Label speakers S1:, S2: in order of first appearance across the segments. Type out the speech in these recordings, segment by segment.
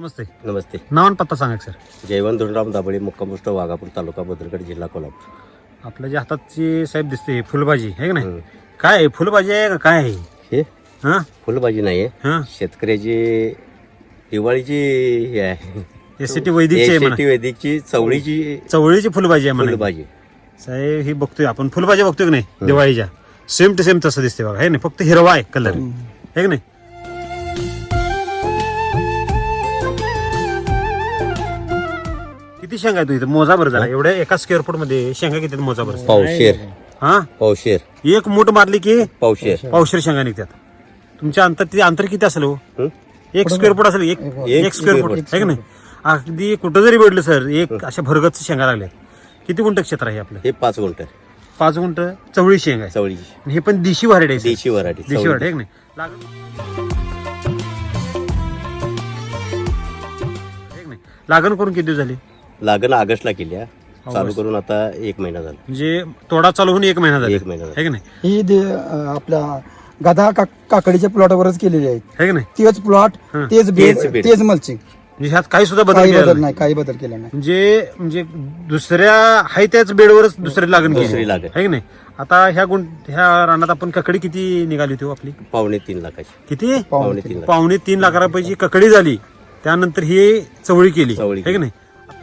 S1: नमस्ते.
S2: नमस्ते.
S1: नाव आणि पत्ता सांगा सर.
S2: जयवंत धुंडराम दाबळे, मुक्काम पोस्ट वाघापूर, तालुका भद्रगड, जिल्हा कोल्हापूर.
S1: आपल्या जे हाताची साहेब दिसते फुलभाजी आहे का नाही, काय आहे फुलभाजी आहे का काय आहे
S2: हे
S1: हा
S2: फुलभाजी नाही
S1: हा
S2: आहे, शेतकऱ्याची दिवाळीची हे आहे.
S1: एसीटी वैदिकची आहे म्हणा.
S2: SCT वैदिकची
S1: चवळीची फुलभाजी आहे म्हणा.
S2: फुलभाजी.
S1: साहेब ही बघतोय आपण फुलभाजी बघतोय की नाही दिवाळीच्या, सेम टू सेम तसं दिसते बघा, आहे नाही फक्त हिरवा आहे कलर आहे की नाही. किती शेंगा आहे तू इथं मोजा बरं जरा, एवढ्या एका स्क्वेअर फूट मध्ये शेंगा किती मोजा बरं.
S2: पावशेर.
S1: हा
S2: पावशेर.
S1: एक मूठ मारली की
S2: पावशेर.
S1: पावशेर शेंगा निघतात. तुमच्या अंतर किती असेल हो?
S2: हं?
S1: एक स्क्वेअर फूट असेल, एक स्क्वेअर फूट आहे की नाही. अगदी कुठं जरी भेटलं सर, एक अशा भरगत शेंगा लागल्या. किती गुंठ क्षेत्र आहे आपलं?
S2: हे 5 गुंठ
S1: 5 गुंठ चवळी शेंग आहे.
S2: चवळीची.
S1: आणि हे पण देशी व्हरायटी आहे.
S2: देशी व्हरायटी.
S1: देशी व्हरायटी आहे की नाही. लागण करून किती दिवस झाले?
S2: लागण ऑगस्टला केली आहे. चालू करून आता 1 महिना झाला.
S1: म्हणजे तोडा चालू होऊन 1 महिना झाला.
S2: 1 महिना झाला.
S1: आहे की नाही.
S3: ही आपल्या गधा काकडीच्या प्लॉटवरच केलेली आहेत.
S1: आहे की नाही.
S3: तेच प्लॉट, तेच बेड,
S2: बेड.
S3: तेच मल्चिंग.
S1: म्हणजे ह्यात काही सुद्धा बदल
S3: काही
S1: केलेला
S3: बदल
S1: नाही.
S3: नाही, काही बदल केला नाही.
S1: म्हणजे दुसऱ्या हाय त्याच बेडवरच दुसरी लागण केली
S2: दुसरी लागण.
S1: आहे की नाही. आता ह्या रानात आपण ककडी किती निघाली होती हो आपली?
S2: 2.5 लाखाची.
S1: किती?
S2: 2.5 लाख.
S1: 2.5 लाख रुपयाची ककडी झाली. त्यानंतर ही चवळी केली
S2: चवळी
S1: आहे की नाही.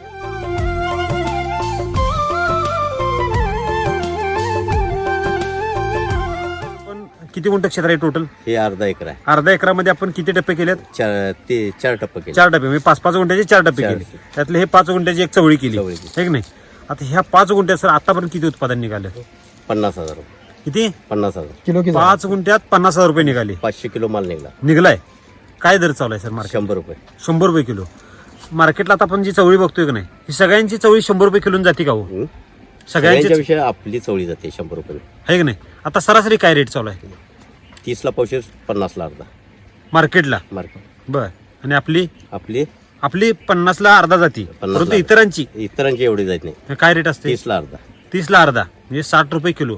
S1: पण किती गुंठ क्षेत्र आहे टोटल?
S2: हे अर्धा एकर आहे.
S1: अर्धा एकरामध्ये आपण किती टप्पे केलेत?
S2: 4 टप्पे केले.
S1: 4 टप्पे, म्हणजे 5-5 गुंठ्याचे 4 टप्पे
S2: चार.
S1: केले. त्यातले हे 5 गुंठ्याची एक चवळी केली
S2: चवळी
S1: आहे की नाही. आता ह्या 5 गुंठ्यात सर आतापर्यंत किती उत्पादन निघालं?
S2: 50,000 रुपये.
S1: किती?
S2: 50,000.
S3: किलो किलो
S1: 5 गुंठ्यात 50,000 रुपये निघाले.
S2: 500 किलो माल निघाला.
S1: निघलाय. काय दर चालू आहे सर मार्केट?
S2: 100 रुपये.
S1: 100 रुपये किलो मार्केटला. आता आपण जी चवळी बघतोय की नाही, ही सगळ्यांची चवळी 100 रुपये किलो जाते का हो? सगळ्यांची
S2: सगळ्यांच्या विषयी आपली चवळी जाते 100 रुपये.
S1: आहे की नाही. आता सरासरी काय रेट चालू आहे
S2: 30 ला पावशेर, 50 ला अर्धा
S1: मार्केटला?
S2: मार्केट.
S1: बर. आणि आपली
S2: आपली
S1: 50 ला अर्धा जाती.
S2: 50 ला
S1: परंतु इतरांची
S2: इतरांची एवढी जात नाही.
S1: काय रेट असते?
S2: 30 ला अर्धा.
S1: 30 ला अर्धा, म्हणजे 60 रुपये किलो.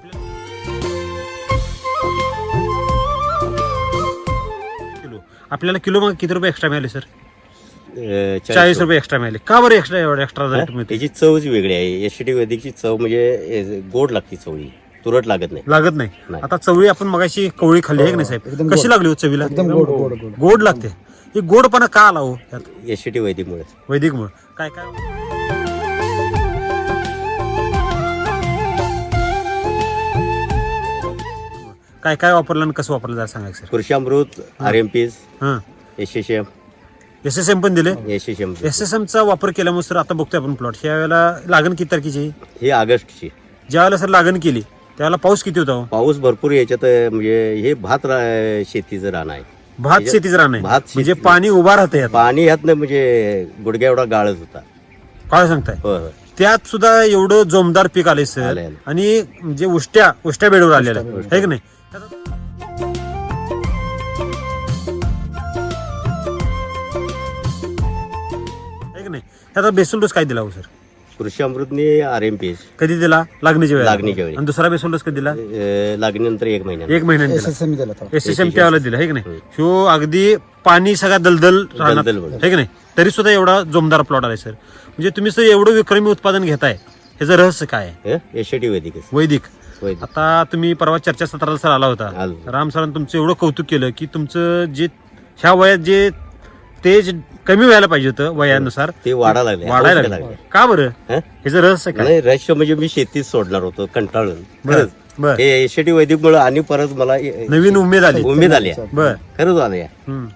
S1: आपल्याला किलो मग किती रुपये एक्स्ट्रा मिळाले सर? 40 रुपये एक्स्ट्रा मिळाले. का बरं एक्स्ट्रा रेट मिळते?
S2: त्याची चवच वेगळी आहे. SCT वैदिकची चव म्हणजे गोड लागते चवळी, तुरट लागत नाही.
S1: लागत नाही.
S2: नाही.
S1: आता चवळी आपण मगाशी कवळी खाल्ली आहे की नाही साहेब,
S3: एकदम
S1: कशी
S3: गोड.
S1: लागली हो चवीला?
S3: एकदम गोड गोड गोड.
S1: गोड लागते. हे गोडपणा का आला हो यात?
S2: SCT वैदिकमुळे.
S1: वैदिक मुळे काय काय काय काय वापरलं आणि कसं वापरलं जरा सांगा सर.
S2: कृषी अमृत, RMP,
S1: हा
S2: SSM.
S1: SSM पण दिले.
S2: SSM
S1: SSM चा वापर केल्यामुळे सर आता बघतोय आपण प्लॉट, ह्या वेळेला लागण किती तारखेची आहे?
S2: ही ऑगस्टची.
S1: ज्या वेळेला सर लागण केली त्यावेळेला पाऊस किती होता हो?
S2: पाऊस भरपूर याच्यात म्हणजे हे शेतीचं रान आहे.
S1: भात शेतीचं रान आहे.
S2: भात शेती.
S1: म्हणजे पाणी उभा राहते यात.
S2: पाणी ह्यात म्हणजे गुडघ्या एवढा गाळच होता.
S1: काय सांगताय?
S2: होय होय.
S1: त्यात सुद्धा एवढं जोमदार पीक आले सर.
S2: आलंय.
S1: आणि म्हणजे उष्ट्या बेडवर आलेलं आहे की नाही. आहे की नाही. त्याचा बेसल डोस काय दिला हो सर?
S2: कृषी अमृतने RMP
S1: कधी दिला? लागणीच्या वेळेला.
S2: लागणीच्या वेळी.
S1: आणि दुसरा बेसल डोस कधी दिला?
S2: लागणीनंतर 1 महिन्यात.
S1: 1 महिन्याने दिला.
S3: SSM दिला होता.
S1: SSM त्यावेळेला दिला आहे की नाही. ह्यो अगदी पाणी सगळा दलदल राहणार
S2: दलदल बघा.
S1: आहे की नाही. तरी सुद्धा एवढा जोमदार प्लॉट आलाय सर. म्हणजे तुम्ही सर एवढं विक्रमी उत्पादन घेताय, ह्याचं रहस्य काय आहे?
S2: SCT वैदिक.
S1: वैदिक.
S2: वैदिक.
S1: आता तुम्ही परवा चर्चासत्राला सर आला होता.
S2: आलो.
S1: राम सरांनी तुमचं एवढं कौतुक केलं की तुमचं जे ह्या वयात जे तेज कमी व्हायला पाहिजे होतं वयानुसार,
S2: ते वाढायला
S1: वाढायला
S2: लागले.
S1: लागलं. का बरं? ह्याचं रहस्य काय?
S2: नाही, रहस्य म्हणजे मी शेतीच सोडणार होतो कंटाळून.
S1: बर
S2: खरंच.
S1: बर.
S2: हे SCT वैदिक मुळे आणि परत मला
S1: नवीन उमेद आली.
S2: उमेद आली.
S1: बर.
S2: खरंच आली.
S1: हम्म.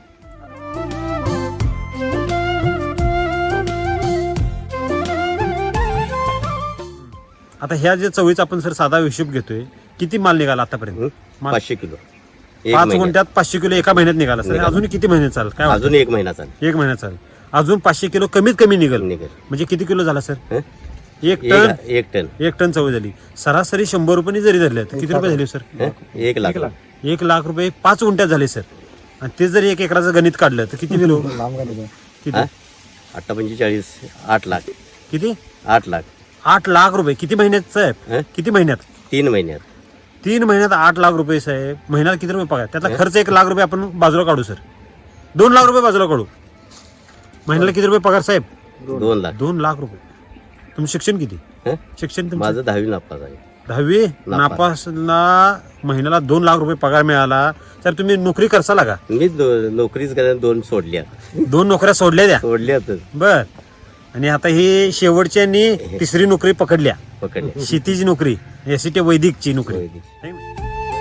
S1: आता ह्या जे चवळीचा आपण सर साधा हिशोब घेतोय, किती माल निघाला आतापर्यंत?
S2: 500 किलो.
S1: 5 गुंठ्यात 500 किलो एका महिन्यात निघाला सर. अजून किती महिने चालेल काय वाटतं?
S2: अजून 1 महिना चालेल.
S1: 1 महिना चालेल. अजून 500 किलो कमीत कमी निघेल.
S2: निघेल.
S1: म्हणजे किती किलो झाला सर?
S2: हं?
S1: 1 टन.
S2: 1 टन.
S1: चवळी झाली. सरासरी 100 रुपये जरी धरले तर किती रुपये झाले सर?
S2: 1 लाख.
S1: 1 लाख रुपये 5 गुंठ्यात झाले सर. आणि ते जर 1 एकराचं गणित काढलं तर किती किलो?
S3: लांब गाडी.
S1: किती?
S2: 8-45 8 लाख.
S1: किती?
S2: 8 लाख.
S1: 8 लाख रुपये किती महिन्यात साहेब?
S2: हं?
S1: किती महिन्यात?
S2: 3 महिन्यात.
S1: 3 महिन्यात 8 लाख रुपये साहेब. महिन्याला किती रुपये पगार? त्यातला खर्च 1 लाख रुपये आपण बाजूला काढू सर. 2 लाख रुपये बाजूला काढू. महिन्याला किती रुपये पगार साहेब?
S2: 2 लाख.
S1: 2 लाख रुपये. तुमचं शिक्षण किती?
S2: हं?
S1: शिक्षण तुमचं?
S2: माझं 10वी नापास आहे.
S1: 10वी नापासला महिन्याला 2 लाख रुपये पगार मिळाला तर तुम्ही नोकरी करसाला का?
S2: मी नोकरीच करायला 2 सोडल्या.
S1: 2 नोकऱ्या सोडल्या द्या.
S2: सोडल्यातच
S1: बर. आणि आता ही शेवटची आणि तिसरी नोकरी पकडल्या,
S2: पकडल्या.
S1: शेतीची नोकरी, एसटी वैदिकची नोकरी.
S2: वैदिक.
S1: है ना?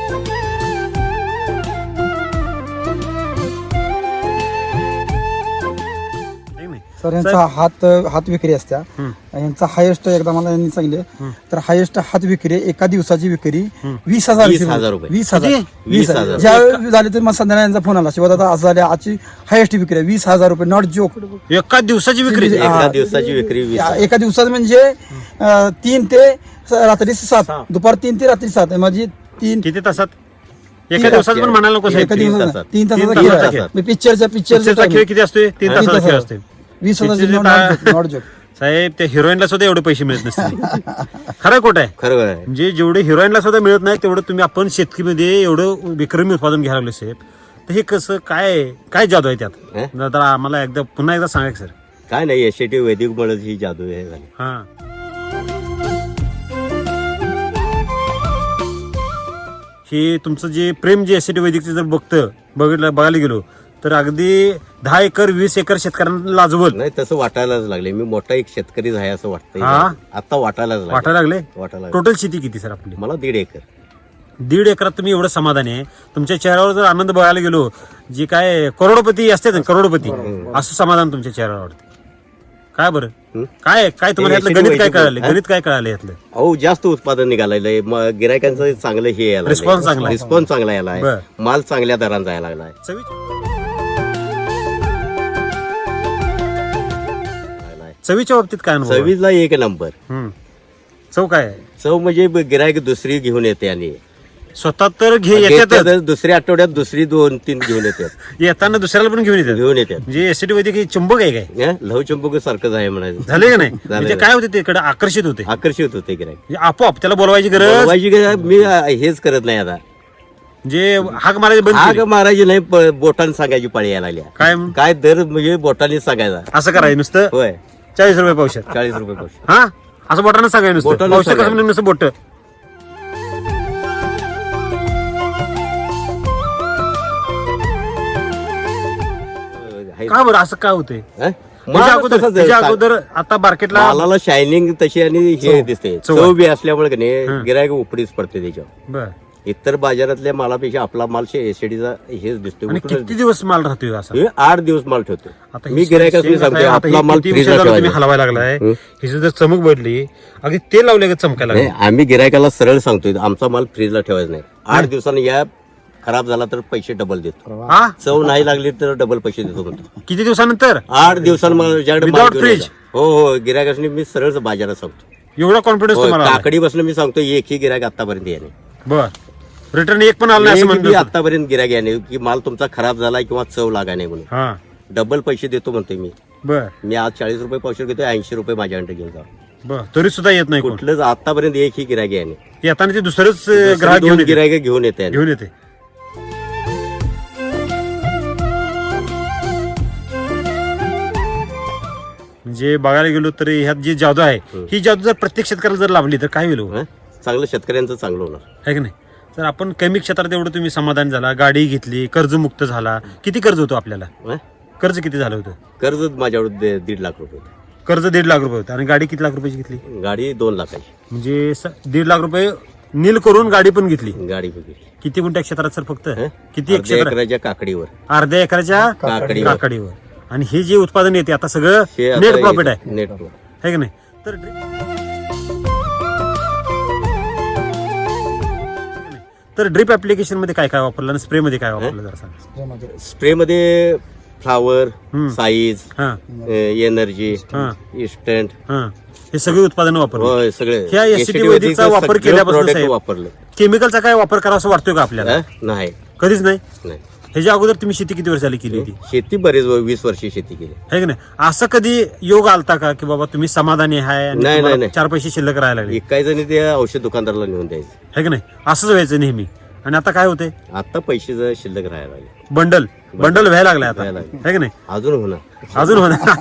S1: है ना?
S3: सर यांचा हात विक्री असत्या.
S1: हं.
S3: यांचा हायेस्ट एकदा मला यांनी सांगितले तर हायेस्ट हात विक्री एका दिवसाची विक्री
S1: हं.
S3: 20,000
S2: 20,000 रुपये.
S3: 20,000.
S1: किती?
S2: 20,000.
S3: ज्या झाले तर मग संध्याकाळी यांचा फोन आला शिवाय दादा आज झाले आजची हायेस्ट विक्री आहे 20,000 रुपये. Not joke.
S1: एका दिवसाची विक्री.
S3: हा.
S2: एका दिवसाची विक्री 20,000.
S3: एका दिवसात म्हणजे 3 ते रात्री 7, दुपार 3 ते रात्री 7 म्हणजे 3
S1: किती तासात? एका दिवसात पण म्हणायला नको साहेब.
S3: एका दिवसात
S2: तासात.
S3: 3
S1: तीन
S3: तासाचा
S1: तासाचा
S3: खेळ
S2: खेळ.
S3: आहे. पिक्चरचा
S1: पिक्चरचा खेळ किती असतोय? 3 तासाचा खेळ
S3: तासाचा.
S1: असतोय.
S3: 20,000 नॉट जोक.
S1: साहेब त्या हिरोईनला सुद्धा एवढे पैसे मिळत नसतील. खरं खोट आहे?
S2: खरं आहे.
S1: म्हणजे जेवढे हिरोईनला सुद्धा मिळत नाही तेवढं तुम्ही आपण शेतकरीमध्ये एवढं विक्रमी उत्पादन घ्यायला लागले साहेब. तर हे कसं काय जादू आहे त्यात?
S2: हं?
S1: तर आम्हाला पुन्हा एकदा सांगा सर.
S2: काय नाही, एसटी वैदिक मुळे ही जादू हे झाली.
S1: हा. हे तुमचं जे प्रेम जे एसटी वैदिकचं जर बघायला गेलो तर अगदी 10 एकर 20 एकर शेतकऱ्यांना लाजवल
S2: नाही तसं वाटायलाच लागले. मी मोठा एक शेतकरीच आहे असं वाटतंय.
S1: हा?
S2: आता वाटायलाच
S1: वाटायला लागले.
S2: वाटायला
S1: टोटल शेती किती सर आपली?
S2: मला 1.5 एकर.
S1: 1.5 एकरात तुम्ही एवढं समाधानी आहे? तुमच्या चेहऱ्यावर जर आनंद बघायला गेलो, जे काय करोडपती असते ना, करोडपती असं समाधान तुमच्या चेहऱ्यावर वाटतं. काय बरं?
S2: हं?
S1: काय तुम्हाला यातलं गणित काय कळालं? गणित काय कळालं यातलं?
S2: अहो जास्त उत्पादन निघालंय. गिरायकांचं चांगलं हे यायला
S1: Response चांगला आहे.
S2: रिस्पॉन्स चांगला यायला आहे.
S1: बरं.
S2: माल चांगल्या दरांचा यायला लागलाय.
S1: चवीच्या बाबतीत काय अनुभव आहे?
S2: चवीला 1 नंबर.
S1: हं. चव काय आहे?
S2: चव म्हणजे गिरायक दुसरी घेऊन येते आणि
S1: स्वतः तर येतातच,
S2: दुसऱ्या आठवड्यात दुसरी 2-3 घेऊन येतात.
S1: येताना दुसऱ्याला पण घेऊन येतात.
S2: घेऊन येतात.
S1: म्हणजे एसटी वैदिक हे चुंबक आहे काय?
S2: लवचंबक सारखंच आहे म्हणायचं.
S1: झाले का नाही? म्हणजे काय होते तिकडे आकर्षित होते,
S2: आकर्षित होते गिरायक.
S1: म्हणजे आपोआप त्याला बोलवायची गरज,
S2: बोलवायची गरज मी हेच करत नाही आता.
S1: म्हणजे हाक मारायची बंद
S2: आग
S1: केली.
S2: मारायची नाही, बोटाने सांगायची पाळी यायला लागली.
S1: काय
S2: काय दर म्हणजे बोटाने सांगायचा.
S1: असं करायचं नुसतं?
S2: होय.
S1: 40 रुपये पावशेर.
S2: 40 रुपये पावशेर.
S1: हा, असं बोटानं सांगायचं नुसतं.
S2: बोटानं
S1: पावशेर कसं
S2: सांगायचं.
S1: म्हणजे नुसतं बोट. का बरं असं काय होतंय?
S2: हं?
S1: त्याच्या
S2: माल
S1: अगोदर
S2: तसाच
S1: त्याच्या
S2: आहे.
S1: अगोदर आता मार्केटला
S2: मालाला शायनिंग तशी आणि हे दिसते.
S1: चव
S2: चव बी असल्यामुळे की
S1: हं.
S2: नाही गिरायक उपडीच पडते त्याच्यावर.
S1: बर.
S2: इतर बाजारातल्या मालापेक्षा आपला माल एसडीचा हेच दिसतो.
S1: आणि किती दिवस माल राहतोय असा?
S2: 8 दिवस माल ठेवतो.
S1: आता
S2: मी
S1: ही
S2: गिरायकाला
S1: शेत
S2: सांगतो
S1: आहे, आता
S2: आपला
S1: ही
S2: माल
S1: किती
S2: फ्रीजला
S1: वर्षाला तुम्ही
S2: ठेवायचा.
S1: हलवायला लागलाय,
S2: हं.
S1: ही जर चमक बदली अगदी तेल लावले चमकायला
S2: नाही,
S1: लागलं.
S2: आम्ही गिरायकाला सरळ सांगतोय आमचा माल फ्रीजला ठेवायचा नाही. 8 दिवसांनी या खराब झाला तर पैसे डबल देतो.
S1: हा,
S2: चव नाही लागली तर डबल पैसे देतो म्हणतो.
S1: किती दिवसानंतर?
S2: 8 दिवसांनी मला ज्याकडे माल
S1: Without
S2: घेऊन
S1: fridge?
S2: यायचा. हो गिरायकाशी मी सरळ बाजारात सांगतो.
S1: एवढा कॉन्फिडन्स तुम्हाला आलाय?
S2: काकडी बसलं मी सांगतो एकही गिरायक आतापर्यंत याने.
S1: बर. रिटर्न एक पण आलं नाही असं म्हणतो.
S2: आतापर्यंत गिरायक याने की माल तुमचा खराब झाला किंवा चव लागा नाही म्हणून
S1: हा,
S2: डबल पैसे देतो म्हणतोय मी.
S1: बर
S2: मी आज 40 रुपये पावशेर घेतोय, 80 रुपये माझ्याकडे घेऊन जा.
S1: बर. तरी सुद्धा येत नाही कोण.
S2: कुठलंच आतापर्यंत एकही गिरायक याने.
S1: येताना ते दुसरंच ग्राहक घेऊन येते.
S2: गिरायक घेऊन येते.
S1: घेऊन येते. म्हणजे बघायला गेलो तर ह्यात जी जादू आहे ही जादू जर प्रत्येक शेतकऱ्याला जर लावली तर काय होईल हो?
S2: हं? चांगलं शेतकऱ्यांचं चांगलं होणार.
S1: आहे की नाही? तर आपण कमी क्षेत्रात एवढं तुम्ही समाधान झाला, गाडी घेतली, कर्जमुक्त झाला. किती कर्ज होतं आपल्याला?
S2: हं?
S1: कर्ज किती झालं होतं?
S2: कर्ज माझ्यावर 1.5 लाख रुपये होते.
S1: कर्ज 1.5 लाख रुपये होतं आणि गाडी किती लाख रुपयाची घेतली?
S2: गाडी 2 लाखाची.
S1: म्हणजे 1.5 लाख रुपये नील करून गाडी पण घेतली.
S2: गाडी वगैरे
S1: किती गुंठ्या क्षेत्रात सर फक्त?
S2: हं?
S1: किती एक
S2: अर्ध्या
S1: क्षेत्र?
S2: एकराच्या काकडीवर.
S1: अर्ध्या एकराच्या
S2: काकडीवर.
S1: काकडीवर. आणि हे जे उत्पादन येते आता सगळं
S2: हे आता
S1: नेट प्रॉफिट आहे,
S2: नेट प्रॉफिट.
S1: है की नाही? तर ड्रिप ऍप्लिकेशन मध्ये काय काय वापरलं आणि स्प्रे मध्ये काय वापरलं जरा सांग.
S2: स्प्रे मध्ये फ्लावर,
S1: हं.
S2: साईज,
S1: हा,
S2: एनर्जी,
S1: हा,
S2: इन्स्टंट,
S1: हा. हे सगळे उत्पादन वापरलं.
S2: होय सगळे.
S1: ह्या SCT
S2: SCT
S1: वैदिकचा
S2: वैदिकचं
S1: वापर
S2: सगळं
S1: केल्यापासून
S2: product
S1: साहेब,
S2: वापरलं.
S1: केमिकलचा काय वापर करावा असं वाटतोय का आपल्याला?
S2: हं? नाही
S1: कधीच नाही.
S2: नाही.
S1: ह्याच्या अगोदर तुम्ही शेती किती वर्षाली केली होती?
S2: शेती बरेच 20 वर्षी शेती केली.
S1: है की नाही? असं कधी योग आलता का की बाबा तुम्ही समाधानी आहे आणि
S2: नाही.
S1: 4 पैसे शिल्लक राहायला लागले?
S2: विकायचं आणि ते औषध दुकानदाराला नेऊन द्यायचं.
S1: है की नाही? असंच व्हायचं नेहमी. आणि आता काय होते
S2: आता पैसे जर शिल्लक राहायला लागले,
S1: बंडल व्हायला लागले आता,
S2: व्हायला लागले.
S1: आहे की नाही?
S2: अजून होणार.
S1: अजून होणार.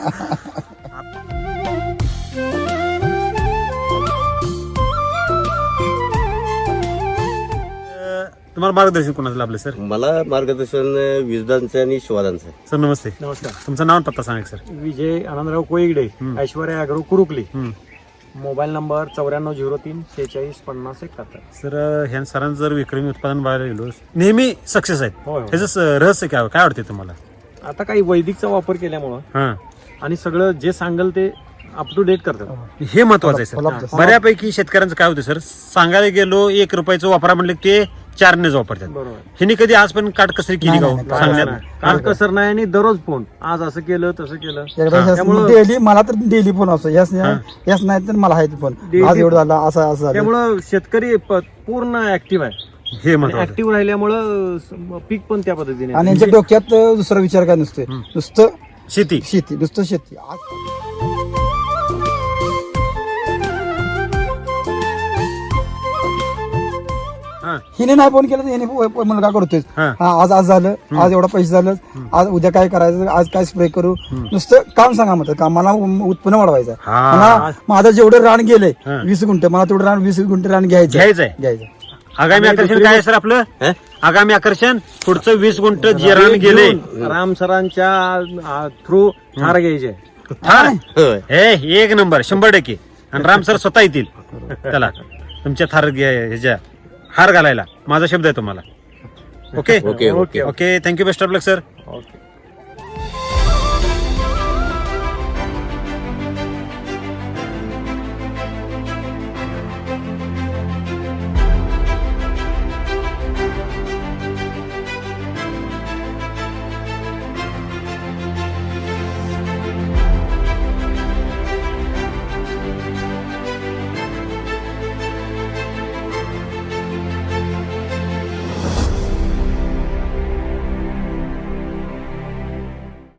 S1: तुम्हाला मार्गदर्शन कोणाचं लाभलं सर?
S2: मला मार्गदर्शन विजदांचं आणि शिवादांचं.
S1: सर नमस्ते,
S4: नमस्कार.
S1: तुमचं नाव आणि पत्ता सांगा सर.
S4: विजय आनंदराव कोईगडे, ऐश्वर्या अॅग्रो कुरुकली.
S1: हम्म.
S4: Mobile number 9403 46 50 71.
S1: सर ह्या सरांचं जर विक्रमी उत्पादन बघायला गेलो नेहमी सक्सेस आहेत.
S4: होय, होय.
S1: ह्याचं रहस्य काय वाटते तुम्हाला?
S4: आता काही वैदिकचा वापर केल्यामुळं
S1: हा,
S4: आणि सगळं जे सांगल ते अप टू डेट करतात.
S1: हे महत्वाचं आहे सर.
S3: फलाप-
S1: बऱ्यापैकी शेतकऱ्यांचं काय होतं सर, सांगायला गेलो 1 रुपयाचं वापरा म्हणलं की ते 4नेच वापरतात.
S4: बरोबर.
S1: ह्यांनी कधी आजपर्यंत काटकसरी केली
S3: नाही,
S1: का हो?
S3: नाही,
S1: सांगण्यात
S4: काल कसर नाही आणि दररोज फोन, आज असं केलं तसं केलं.
S3: एकदा डेली मला तर डेली फोन असतो, याच नाही तर मला आहे फोन,
S4: Daily-
S3: आज एवढं झालं असं झालं.
S4: त्यामुळं शेतकरी पूर्ण ऍक्टिव्ह आहे.
S1: हे महत्वाचं आहे.
S4: ऍक्टिव्ह राहिल्यामुळं पीक पण त्या पद्धतीने
S3: आणि यांच्या डोक्यात दुसरा विचार काय नसतोय, नुसतं
S1: शेती.
S3: शेती, नुसतं शेती. आज
S1: हा,
S3: हिने नाही फोन केला तर हिने मुलगा करतोय.
S1: हा.
S3: हा, आज झालं, आज एवढा पैसे झालं, आज उद्या काय करायचं, आज काय स्प्रे करू, नुसतं काम सांगा म्हणतात, कामाला उत्पन्न वाढवायचं.
S1: हा.
S3: मला माझं जेवढं रान गेलंय
S1: हा.
S3: 20 गुंठे, मला तेवढं रान 20 गुंठे रान घ्यायचं.
S1: घ्यायचं. आगामी आकर्षण काय आहे सर आपलं?
S2: हं?
S1: आगामी आकर्षण पुढचं 20 गुंठ जिराण गेले.
S4: राम सरांच्या थ्रू ठार घ्यायचे.
S2: होय.
S1: हे 1 नंबर 100%. आणि राम सर स्वतः येतील त्याला तुमच्या ह्याच्या हार घालायला. माझा शब्द आहे तुम्हाला. Okay
S2: okay okay
S1: okay. Thank you, best of luck sir.
S4: Okay.